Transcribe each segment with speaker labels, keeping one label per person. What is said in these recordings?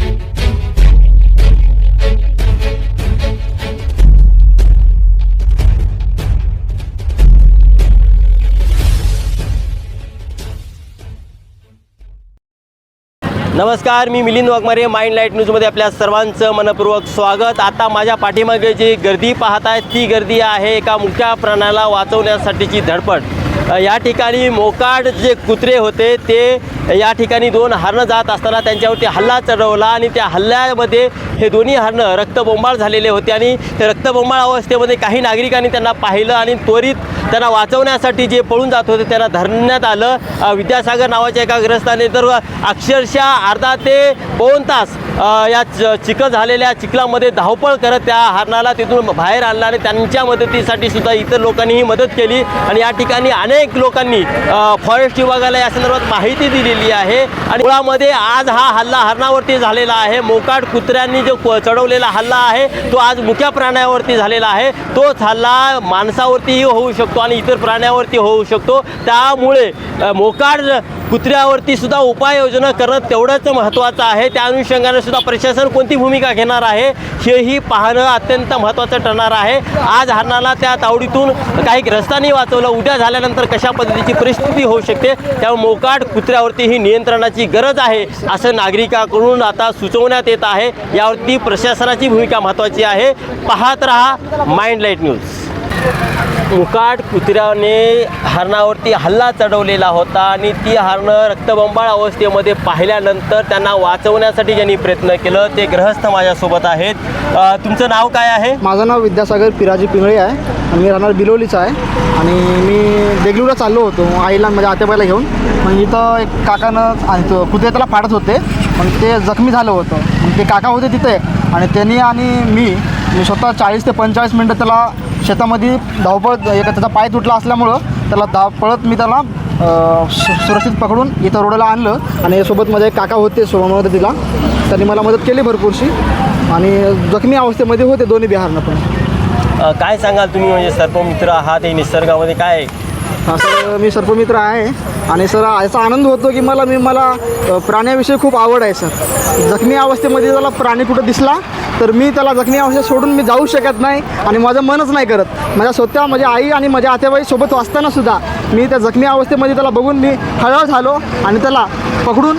Speaker 1: नमस्कार, मी Milind Waghmare. Mind light न्यूजमध्ये आपल्या सर्वांचं मनपूर्वक स्वागत. आता माझ्या पाठीमागे जी गर्दी पाहत आहे ती गर्दी आहे एका मुक्या प्राण्याला वाचवण्यासाठीची धडपड. या ठिकाणी मोकाट जे कुत्रे होते ते या ठिकाणी दोन हरणं जात असताना त्यांच्यावरती हल्ला चढवला आणि त्या हल्ल्यामध्ये हे दोन्ही हरणं रक्तबोंबाळ झालेले होते आणि त्या रक्तबोंबाळ अवस्थेमध्ये काही नागरिकांनी त्यांना पाहिलं आणि त्वरित त्यांना वाचवण्यासाठी जे पळून जात होते त्यांना धरण्यात आलं. विद्यासागर नावाच्या एका ग्रस्ताने तर अक्षरशः अर्धा ते 2 तास या चिखल झालेल्या चिखलामध्ये धावपळ करत त्या हरणाला तिथून बाहेर आणलं आणि त्यांच्या मदतीसाठी सुद्धा इतर लोकांनीही मदत केली. आणि या ठिकाणी अनेक लोकांनी फॉरेस्ट विभागाला या संदर्भात माहिती दिलेली आहे. आणि मुळामध्ये आज हा हल्ला हरणावरती झालेला आहे. मोकाट कुत्र्यांनी जो चढवलेला हल्ला आहे तो आज मुक्या प्राण्यावरती झालेला आहे. तोच हल्ला माणसावरतीही होऊ शकतो आणि इतर प्राण्यावरती होऊ शकतो. त्यामुळे मोकाट कुत्र्यावरती सुद्धा उपाययोजना करणं तेवढंच महत्त्वाचं आहे. त्या अनुषंगाने सुद्धा प्रशासन कोणती भूमिका घेणार आहे हेही पाहणं अत्यंत महत्त्वाचं ठरणार आहे. आज हरणाला त्या तावडीतून काही ग्रस्तांनी वाचवलं. उद्या झाल्यानंतर कशा पद्धतीची परिस्थिती होऊ शकते त्यामुळे मोकाट कुत्र्यावरती ही नियंत्रणाची गरज आहे असं नागरिकांकडून आता सुचवण्यात येत आहे. यावरती प्रशासनाची भूमिका महत्त्वाची आहे. पाहत रहा माइंड लाईट न्यूज. मुकाट कुत्र्याने हरणावरती हल्ला चढवलेला होता आणि ती हरणं रक्तबंबाळ अवस्थेमध्ये पाहिल्यानंतर त्यांना वाचवण्यासाठी ज्यांनी प्रयत्न केलं ते ग्रहस्थ माझ्यासोबत आहेत. तुमचं नाव काय आहे?
Speaker 2: माझं नाव विद्यासागर पिराजी पिंगळे आहे. मी राहणार बिलोलीचा आहे आणि मी देगलूरला चाललो होतो आईला माझ्या आत्याबाईला घेऊन. मग इथं एक काकानं आणि तो कुत्रे त्याला फाडत होते पण ते जखमी झालं होतं. मग ते काका होते तिथे आणि त्यांनी आणि मी स्वतः 40 ते 45 मिनटं त्याला शेतामध्ये धावपळ त्याचा पाय तुटला असल्यामुळं त्याला पळत मी त्याला सुरक्षित पकडून इथं रोडला आणलं. आणि सोबत माझे एक काका होते सोबत तिला त्यांनी मला मदत केली भरपूरशी आणि जखमी अवस्थेमध्ये होते दोन्ही बिहारनं. पण
Speaker 1: काय सांगाल तुम्ही, म्हणजे सर्पमित्र आहात हे निसर्गामध्ये काय?
Speaker 2: हां सर, मी सर्पमित्र आहे आणि सर याचा आनंद होतो की मला प्राण्याविषयी खूप आवड आहे सर. जखमी अवस्थेमध्ये त्याला प्राणी कुठं दिसला तर मी त्याला जखमी अवस्थेत सोडून मी जाऊ शकत नाही आणि माझं मनच नाही करत. स्वतः माझी आई आणि माझ्या आत्याबाई सोबत असताना सुद्धा मी त्या जखमी अवस्थेमध्ये त्याला बघून मी हळहळ झालो आणि त्याला पकडून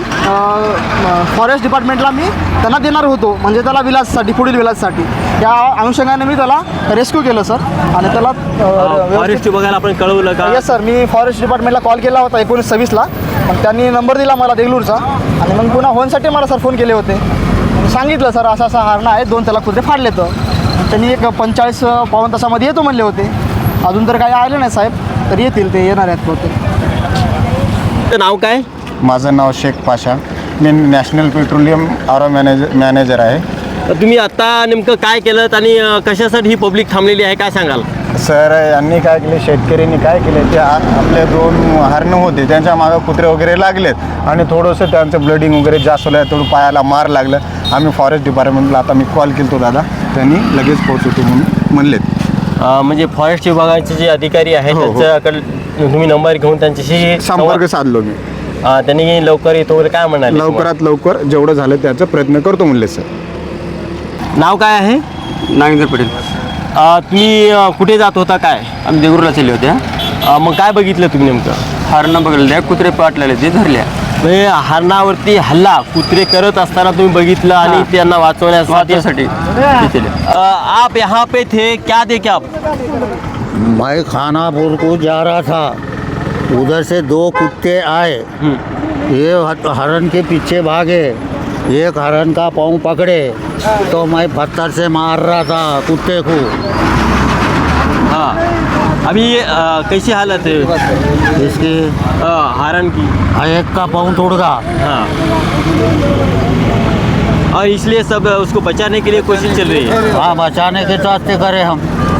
Speaker 2: फॉरेस्ट डिपार्टमेंटला मी त्यांना देणार होतो, म्हणजे त्याला विलाससाठी पुढील विलाससाठी. या अनुषंगाने मी त्याला रेस्क्यू केलं सर. आणि त्याला
Speaker 1: फॉरेस्ट बघायला आपण कळवलं का?
Speaker 2: येस सर, मी फॉरेस्ट डिपार्टमेंटला कॉल केला होता 1926ला. मग त्यांनी नंबर दिला मला देगलूरचा आणि मग पुन्हा होनसाठी मला सर फोन केले होते. सांगितलं सर असं असं हरणं आहे, 2 त्याला कुत्रे फाडले. तर त्यांनी एक 45 पाऊण तासामध्ये येतो म्हणले होते. अजून तर काही आले नाही साहेब, तर येतील, ते येणार आहेत बहुतेक.
Speaker 1: नाव काय?
Speaker 3: माझं नाव शेख पाशा. मी नॅशनल पेट्रोलियम आरो मॅनेजर आहे.
Speaker 1: तुम्ही आता नेमकं काय केलं आणि कशासाठी ही पब्लिक थांबलेली आहे काय सांगाल?
Speaker 3: सर, यांनी काय केले, शेतकऱ्यांनी काय केले, ते आपले 2 हरणं होते त्यांच्या मागं कुत्रे वगैरे लागलेत आणि थोडंसं त्यांचं ब्लडिंग वगैरे जास्त होलं, थोडं पायाला मार लागलं. आम्ही फॉरेस्ट डिपार्टमेंटला आता मी कॉल केला तो दादा, त्यांनी लगेच पोहोचवतो म्हणून म्हणलेत.
Speaker 1: म्हणजे फॉरेस्ट विभागाचे जे अधिकारी आहेत त्यांच्याकडे तुम्ही नंबर घेऊन त्यांच्याशी
Speaker 3: संपर्क साधलो मी.
Speaker 1: त्यांनी लवकर येतो वगैरे काय म्हणाले?
Speaker 3: लवकरात लवकर जेवढं झालं त्याचा प्रयत्न करतो म्हणले सर.
Speaker 1: नाव काय आहे?
Speaker 4: नागेंद्र पटेल.
Speaker 1: तुम्ही कुठे जात होता काय?
Speaker 4: आम्ही देगूरला चालले होते.
Speaker 1: मग काय बघितलं तुम्ही नेमकं?
Speaker 4: हरणं बघितल्या, कुत्रे पाटलेले ते धरल्या.
Speaker 1: म्हणजे हरणावरती हल्ला कुत्रे करत असताना तुम्ही बघितलं आणि त्यांना वाचवण्यासाठी आप यहाँ पे थे, क्या देखे आप?
Speaker 5: मैं खानापुर को जा रहा था, उधर से 2 कुत्ते आए, ये हरण के पीछे भागे, एक हरण का पाँव पकड़े तो मैं पत्थर से मार रहा था कुत्ते को.
Speaker 1: हाँ, अभी कैसी हालत है
Speaker 5: इसकी?
Speaker 1: हरण की
Speaker 5: एक का पाँव टूट गया.
Speaker 1: हाँ, और इसलिए सब उसको बचाने के लिए कोशिश चल रही है.
Speaker 5: हाँ, बचाने के चाहते करे हम.